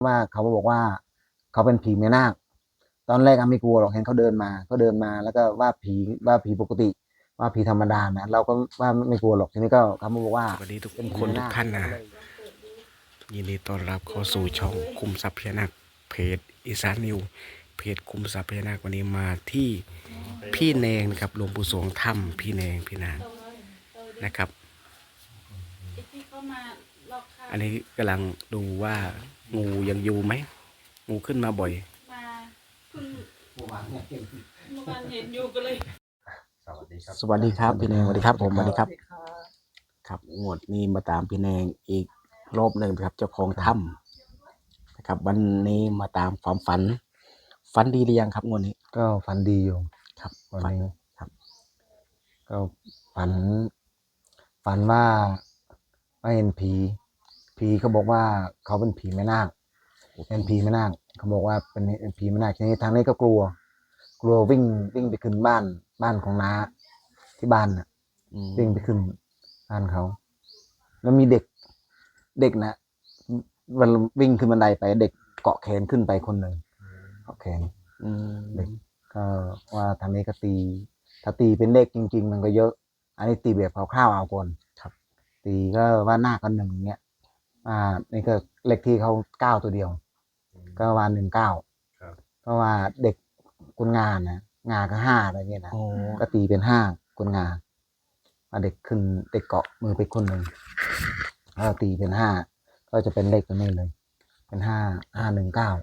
ว่าเขาบอกว่าเขาเป็นผีแม่นาคตอนแรกไม่กลัวหรอกเห็นเขาเดินมาแล้วก็ว่าผีปกติว่าผีธรรมดานะเราก็ว่าไม่กลัวหรอกทีนี้ก็เขาบอกว่าสวัสดีทุกเป็นผีคนแม่นาคทุกท่านนะยินดีต้อนรับเข้าสู่ช่องคุมทรัพย์พญานาคเพจอีสานนิวเพจคุมทรัพย์พญานาควันนี้มาที่พี่แนงนะครับหลวงปู่สวงถ้ำพี่แนงพี่นางนะครับอันนี้กำลังดูว่างูยังอยู่ไหมงูขึ้นมาบ่อยมาเพิ่งเมื่อวานเห็นอยู่ก็เลยสวัสดีครับพี่แนงสวัสดีครับผมสวัสดีครับค่ะครับงวดนี้มาตามพี่แนงอีกรอบหนึ่งครับเจ้าของถ้ำนะครับวันนี้มาตามความฝันดีหรือยังครับงวดนี้ก็ฝันดีอยู่ครับวันฝันนี้ครับก็ฝันว่าเห็นผีเขาบอกว่าเขาเป็นผีแม่นาคเป็นผีแม่นาคเขาบอกว่าเป็นผีแม่นาคทีนี้ทางนี้ก็กลัววิ่งไปขึ้นบ้านของน้าที่บ้านน่ะวิ่งไปขึ้นบ้านเขาแล้วมีเด็กนะวันวิ่งขึ้นบันไดไปเด็กเกาะแขนขึ้นไปคนหนึ่งเกาะแขนเด็กก็ว่าทางนี้ก็ตีถ้าตีเป็นเลขจริงๆมันก็เยอะ อันนี้ตีแบบคร่าวๆเอาก่อนครับตีก็ว่าหน้าก็1เงี้ยนี่ก็เลขที่เขา9ตัวเดียวก็ว่า19ก็ว่าเด็กกุนงานนะงาก็5อะไรเงี้ยนะก็ตีเป็น5กุนงาเด็กขึ้นเด็กเกาะมือไปคนหนึ่งก็ตีเป็น5ก็จะเป็นเลขตัวนี้เลยเป็น5 5 1 9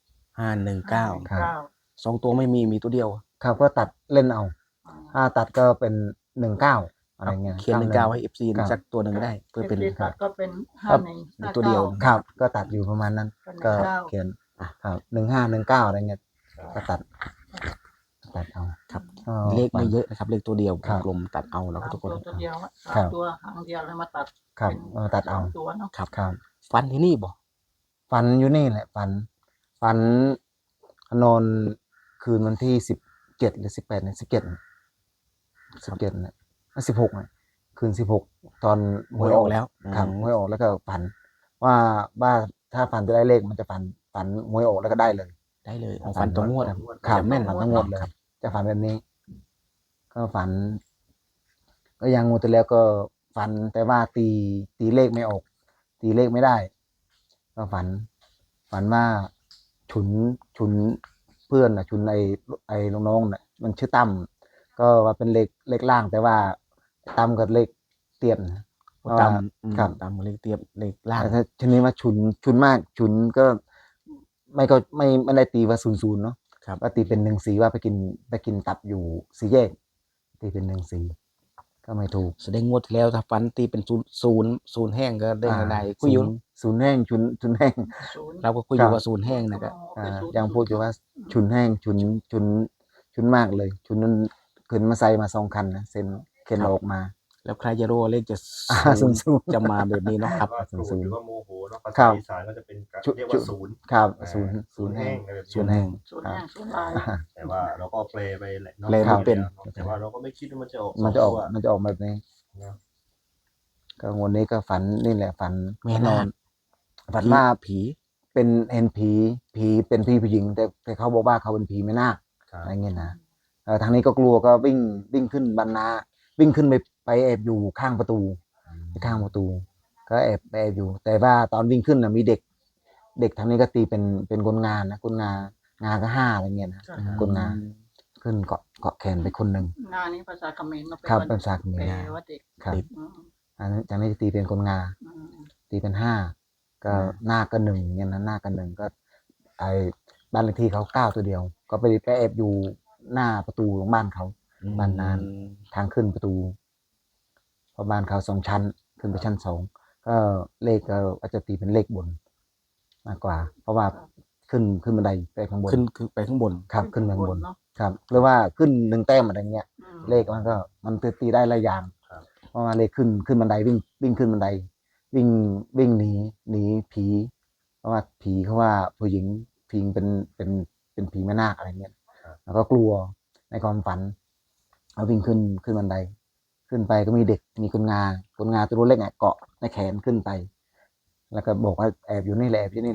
519 ครับ 2ตัวไม่มีตัวเดียวครับก็ตัดเล่นเอาถ้าตัดก็เป็น19อะไรเงี้ยเขียน19ให้ FC สักตัวหนึ่งได้เพื่อเป็นตัดก็เป็นตัวเดียวครับก็ตัดอยู่ประมาณนั้นก็เขียนครับ15 19อะไรเงี้ยก็ตัดเอาครับเลขไม่เยอะนะครับเลขตัวเดียวกลมตัดเอาแล้วก็ทุกคนตัวเดียวตัวหางเดียวเลยมาตัดครับตัดเอาตัวเนาะครับฝันที่นี่บ่ฝันอยู่นี่แหละฝันนอนคืนวันที่17หรือ18เนี่ย17เนี่ย16เนี่ยคืน16ตอนหวยออกแล้วครับหวยออกแล้วก็ฝันว่าถ้าฝันจะได้เลขมันจะฝันหวยออกแล้วก็ได้เลยฝันตัวงวดครับแม่นฝันทั้งหมดเลยจะฝันแบบนี้ ก็ฝัน ก็ยังงูแต่แล้วก็ฝันแต่ว่าตีเลขไม่ออก ตีเลขไม่ได้ ก็ฝันว่าฉุนเพื่อนฉุนไอ้น้องๆน่ะมันชื่อตั้มก็ว่าเป็นเลขล่างแต่ว่าตั้มกับเลขเตียนตั้มครับตั้มเลขเตียบเลขล่างถ้าชนิดว่าฉุนมากฉุนก็ไม่ได้ตีว่า00เนาะว่าตีเป็น14ว่าไปกินตับอยู่4แยกตีเป็น14ก็ไม่ถูกแสดงงวดที่แล้วถ้าฝันตีเป็นศูนย์แห้งก็ได้คุยอยู่ศูนย์แห้งฉุนแห้งเราก็คุยอยู่ว่าศูนย์แห้งนะครับยังพูดอยู่ว่าฉุนแห้งฉุนมากเลยฉุนนั้นขึ้นมาใส่มา2 คันนะเซ็นเข็นออกมาแล้วใครจะรู้ว่าเลขจะศูนย์จะมาแบบนี้เนาะครับศูนย์หรือว่าโมโหเนาะภาครัษาบอีสานก็จะเป็นเรียกว่าศูนย์ครับศูนย์แห้แห้งงอะไรแบบศูนี้นย์แห้งศูนย์แห้งศูนย์ลายแต่ว่าเราก็แปลไปแหละแปลไม่เป็นแต่ว่าเราก็ไม่คิดว่ามันจะออกมันจะออกแบบนี้นะก็วันนี้ก็ฝันนี่แหละฝันแม่นาคฝันว่าผีเป็นเห็นผีเป็นพี่ผู้หญิงแต่เขาบอกว่าเขาเป็นผีแม่นาคครับอะไรเงี้ยนะทางนี้ก็กลัวก็วิ่งขึ้นบรรณาวิ่งขึ้นไปแอบอยู่ข้างประตูก็แอบอยู่ แต่ว่าตอนวิ่งขึ้นนะมีเด็กทางนี้ก็ตีเป็นคนงานนะคนงานก็5อะไรเงี้ยนะคนงานขึ้นเกาะแขนไปคนหนึ่งงานนี้ภาษาเขมรเนาะครับเป็นภาษาเขมรแปลว่าเด็กครับอืมอันนี้จากนี้ตีเป็นคนงานอืมตีเป็น5ก็หน้าก็1เนี่ยนะหน้าก็1ก็ไอ้บ้านเลขที่เขา9ตัวเดียว ก็ไปแอบอยู่หน้าประตูของบ้านเขาบ้านนั้นทางขึ้นประตูเพราะบ้านเขา2 ชั้นขึ้นไปชั้น2ก็เลขก็อาจจะตีเป็นเลขบนมากกว่า เพราะว่าขึ้นบันไดไปข้างบนขึ้นไปข้างบนครับขึ้นไปข้างบนเนาะครับหรือว่าขึ้น1 แต้มอะไรเงี้ยอืมเลขมันตีได้หลายอย่างเพราะว่าเลขขึ้นบันไดวิ่งขึ้นบันไดวิ่งหนีผี เพราะว่าผีเขาว่าผู้หญิงเป็นผีแม่นาคอะไรเงี้ยแล้วก็กลัวในความฝันเอาวิ่งขึ้นบันไดขึ้นไปก็มีเด็กมีคนงาตัวเล็กเกาะในแขนขึ้นไป แล้วก็บอกว่าแอบอยู่นี่แหละ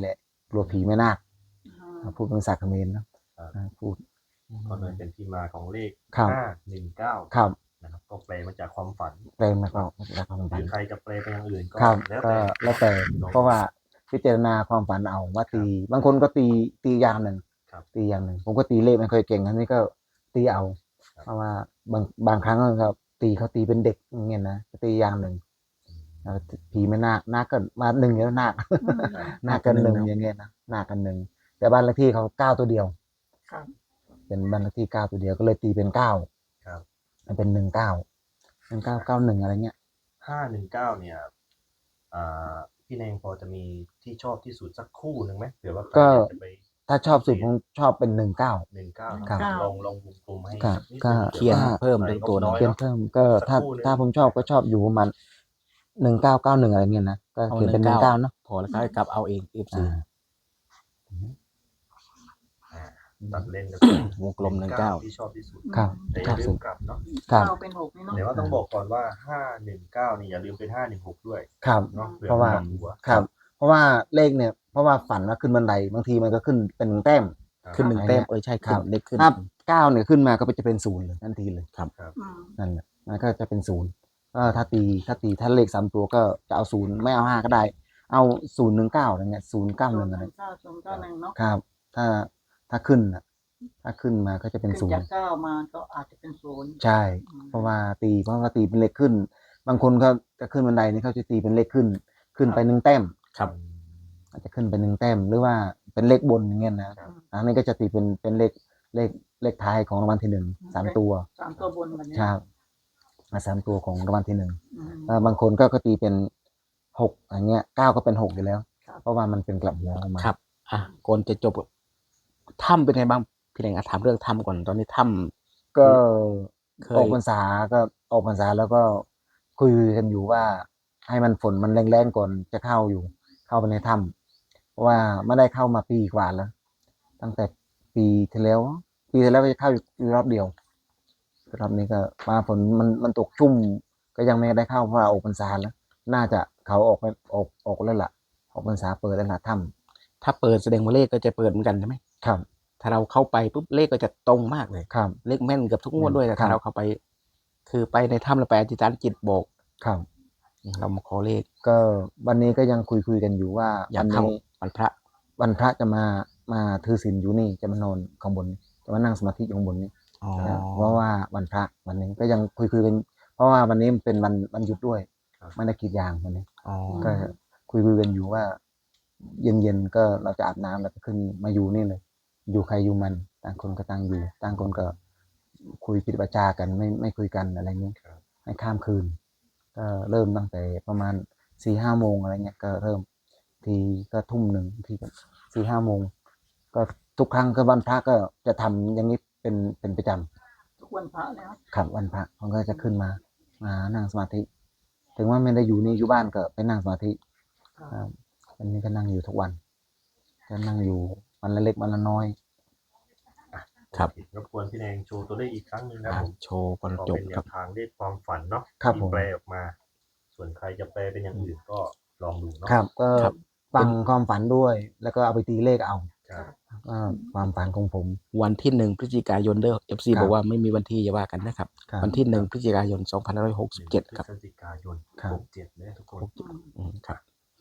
กลัวผีแม่นาคอ่าพูดเป็นภาษาเขมรนะพูดก็เลยเป็นที่มาของเลขครับ 519 ครับนะครับก็แปลมาจากความฝันแปลมาก็แล้วความหฝัรืนอใครจะแปลไปอย่างอื่นก็ครับแล้วก็แต่แล้วแต่เพราะว่าพิจารณาความฝันเอาว่าตี บางคนก็ตีอย่างหนึ่งครับตีอย่างหนึ่งผมก็ตีเลขไม่ค่อยเก่งอันนี้ก็ตีเอาครับเพราะว่าบางครั้งก็เขาตีเป็นเด็กอย่างเงี้ยนะตีอย่างหนึ่งแล้วผีไม่นาคก็มาหนึ่งแล้วนาค นาคกันหนึ่งอย่างเงี้ยนะนาคกันหนึ่งแต่บ้านเลขที่เขา9ตัวเดียวครับเป็นบ้านเลขที่9ตัวเดียวก็เลยตีเป็น9 ครับมันเป็น1991อะไรเงี้ย 519เนี่ยพี่แนงพอจะมีที่ชอบที่สุดสักคู่หนึ่งไหมเผื่อว่าใครก็อยากจะไปถ้าชอบสุดผมชอบเป็น19 19 ครับลองวงกลมให้ครับนิดก็นึงเขียนว่าเพิ่มใส่เรื่องตัวงบน้อยเขียนเนาะเพิ่มก็สักถ้าครู่หนึ่งถ้าผมชอบก็ชอบอยู่ประมาณ1991อะไรเงี้ยนะก็เอาเขียนเป็น 19 19เนาะพอแล้วก็ให้กลับเอาเอง FC ตัดเล่นกันวงกลม19 ที่ชอบที่สุดครับแต่อชอย่าบลืสุมดกลับเนาะครับเก้าเป็นหกนี่เนาะแต่ว่าต้องบอกก่อนว่า 519นี่อย่าลืมเป็น 516 ด้วยครับเนาะผื่อเพราะว่ากลับหัวครับ เพราะว่าเลขเนี่ยเพราะว่าฝันว่าขึ้นบันไดบางทีมันก็ขึ้นเป็น1แต้มขึ้น1แต้มใช่ครัขึ้บนเล็กขึ้นถ้า9เนี่ยขึ้นมาก็จะเป็น0เลยทันทีเลยอืมนั่นแหละมันก็จะเป็น0ก็ถ้าเลข3ตัวก็จะเอา0ไม่เอา5ก็ได้ เอา019อะไรเงี้ย091อะไร 091เนาะครับ ถ้าขึ้นน่ะถ้าขึ้นมาก็จะเป็นขึ้นจาก 0 เก้ามาก็อาจจะเป็นศูนย์ใช่ เพราะว่าตีเป็นเลขขึ้น บางคนเขาจะขึ้นบันไดนี่เขาจะตีเป็นเลขขึ้นไป1แต้มครับอาจจะขึ้นไป1แต้มหรือว่าเป็นเลขบนอย่างเงี้ยนะอันนี้ก็จะตีเป็นเลขท้ายของรางวัลที่1 3ตัวสามตัวบนแบบนี้ครับ3ตัวของรางวัลที่1 อืมบางคนก็ตีเป็น6อย่างเงี้ย9ก็เป็น6อยู่แล้วครับเพราะว่ามันเป็นกลับหัวออกมาครับ ก่อนจะจบถ้ำเป็นไงบ้างพี่แดงถามเรื่องถ้ำก่อนตอนนี้ถ้ก็เคยออกพรรษาแล้วก็คุยกันอยู่ว่า ให้มันฝนมันแรงๆก่อนจะเข้าไปในถ้ำเพราะว่าไม่ได้เข้ามาปีกว่าแล้ว ตั้งแต่ปีที่แล้วก็จะเข้าอยู่รอบเดียวรอบนี้ก็มาฝนมันตกชุ่ม ก็ยังไม่ได้เข้าเพราะว่าออกพรรษาแล้ว น่าจะเขาออกแล้วล่ะออกพรรษาเปิดแล้วล่ะถ้ำถ้าเปิดแสดงว่าเลขก็จะเปิดเหมือนกันใช่ไหมำครับถ้าเราเข้าไปปุ๊บเลขก็จะตรงมากเลยครับเลขแม่นเกือบทุกงวดด้วยแต่ครัถ้าบเราเข้าไป คือไปในถ้ำเราไปอธิษฐานจิตบอกครับเรามาขอเลขก็วันนี้ก็ยังคุยกันอยู่ว่าอยากวันเข้านี้วันพระวันพระจะมาถือศีลอยู่นี่จะมานอนข้างบนนี้จะมานั่งสมาธิอยู่ข้างบนนี้อ๋อเพราะว่าวันพระวันนี้ก็ยังคุยกันเพราะว่าวันนี้มันเป็นวันหยุดด้วยครับไม่ได้กรีดยางวันนี้อ๋อก็คุยกันอยู่ว่า เย็นก็เราจะอาบน้ำแล้วก็ขึ้นมาอยู่นี่เลย อยู่ใครอยู่มันต่างคนก็ต่างอยู่ต่างคนก็คุยปิดวาจากันไม่คุยกันอะไรเงี้ยครับให้ข้ามคืน ก็เริ่มตั้งแต่ประมาณ4-5โมงอะไรเงี้ยก็เริ่มทีก็ทุ่มหนึ่งทีก็4-5โมงก็ทุกครั้งก็วันพระก็จะทำอย่างนี้เป็นประจำทุกวันพระแล้วครับวันพระผมก็จะขึ้นมานั่งสมาธิ ถึงว่าไม่ได้อยู่นี่อยู่บ้านก็ไปนั่งสมาธิครับวันนี้ก็นั่งอยู่ทุกวันก็นั่งอยู่วันละเล็กวันละน้อยครับรบกวนพี่แนงโชว์ตัวเลขอีกครั้งหนึ่งนะอ่ะผมโชว์ก่อนก็จบเป็นแนครับวทางเลขความฝันเนาะครับที่ผมแปลออกมา ส่วนใครจะแปลเป็นอย่างอื่นก็ลองดูเนาะครับก็ครับฟังความฝันด้วย แล้วก็เอาไปตีเลขเอาครับความฝันของผมวันที่1พฤศจิกายนเด้อ FC ครับบอกว่าไม่มีวันที่อย่าว่ากันนะครับครับวันที่1พฤศจิกายน2567ครับพฤศจิกายนครับ 67เนี่ยทุกคนครับ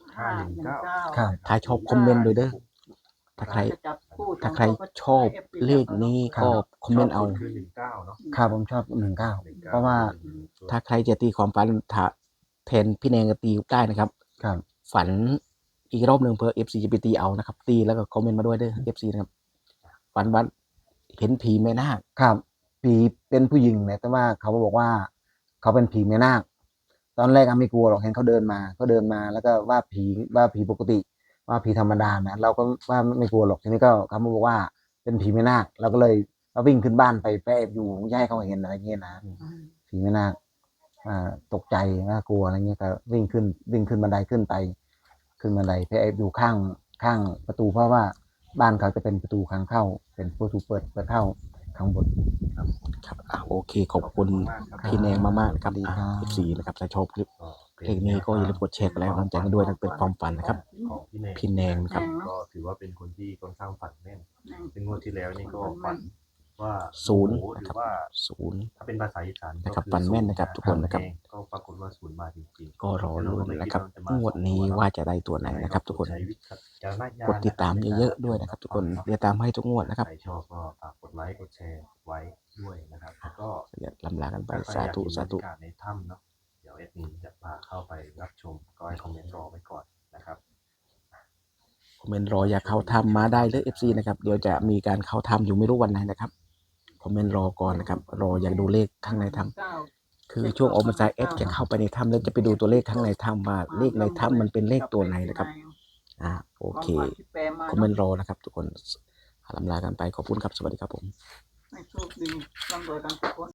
519 ครับถ้าชอบคอมเมนต์ด้วยเด้อ ถ้าใครจะจับคู่ถ้าใครชอบเลขนี้ก็คอมเมนต์เอาคือ19เนาะครับผมชอบ19เพราะว่าถ้าใครจะตีความฝันถ้าแทนพี่แนงก็ตีได้นะครับครับฝันอีกรอบหนึ่งเพื่อ FC จะไปตีเอานะครับ ตีแล้วก็คอมเมนต์มาด้วยเด้อ FC นะครับ ฝันว่าเห็นผีแม่นาคครับผีเป็นผู้หญิงเนี่ยแต่ว่าเขาบอกว่าเขาเป็นผีแม่นาคตอนแรกไม่กลัวหรอกเห็นเขาเดินมาแล้วก็ว่าผีปกติ ว่าผีธรรมดานะเราก็ว่าไม่กลัวหรอกทีนี้ก็เขามาบอกว่าเป็นผีแม่นาคเราก็เลยวิ่งขึ้นบ้านไปแอบอยู่ไม่ให้เขาเห็นอะไรเงี้ยนะผีแม่นาคตกใจว่ากลัวอะไรเงี้ยก็วิ่งขึ้นบันไดขึ้นไปไปแอบอยู่ข้างประตูเพราะว่าบ้านเขาจะเป็นประตูทางเข้า เป็นประตูเปิดเข้าข้างบนครับโอเค ขอบคุณมากครับพี่แนงมากๆนะครับดีครับ 14นะครับถ้าชอบคลิปก็เลขนี้ก็อย่าลืมกดแชร์กันแล้วกำลังใจกันด้วยนั่นเป็นความฝันนะครับของพี่พี่แนงนะครับก็ถือว่าเป็นคนที่ค่อนข้างฝันแม่นซึ่งงวดที่แล้วนี่ก็ฝันว่าศูนย์หนะรืครับอว่าศูนย์ถ้าเป็นภาษาอีสานนะครับก็ฝันแม่นนะครับทุกคนนะครับก็ปรากฏว่าศูนย์มาจริงๆก็รอลุ้นนะครับงวดนี้ว่าจะได้ตัวไหนนะครับ ทุกคนใช้วิจารณญาณกดติดตามเยอะๆด้วยนะครับ ทุกคนเดี๋ยวตามให้ทุกงวดนะครับใครชอบก็ฝากกดไลค์กดแชร์ไว้ด้วยนะครับแล้วก็เดี๋ยวลำลากันไปถ้ใครสาธุอยกสาธุเห็นบรรยากาศในถ้ำเนาะเดี๋ยวเอ็ดมินจะพาเข้าไปรับชมก็ให้คอมเมนต์รอไว้ก่อนนะครับคอมเมนต์รออยากเข้าถ้ำมาได้เลย FC นะครับเดี๋ยวจะมีการเข้าถ้ำอยู่ไม่รู้วันไหนนะครับคอมเมนต์รอก่อนนะครับรออยากดูเลขข้างในถ้ำคือช่วงออกมาจากเอฟจะเข้าไปในถ้ำแล้วจะไปดูตัวเลขข้างในถ้ำว่าเลขในถ้ำมันเป็นเลขตัวไหนนะครับโอเคคอมเมนต์รอนะครับ ทุกคนลำลากันไปขอบคุณครับสวัสดีครับผมให้โชคดีร่ำรวยกันทุกคน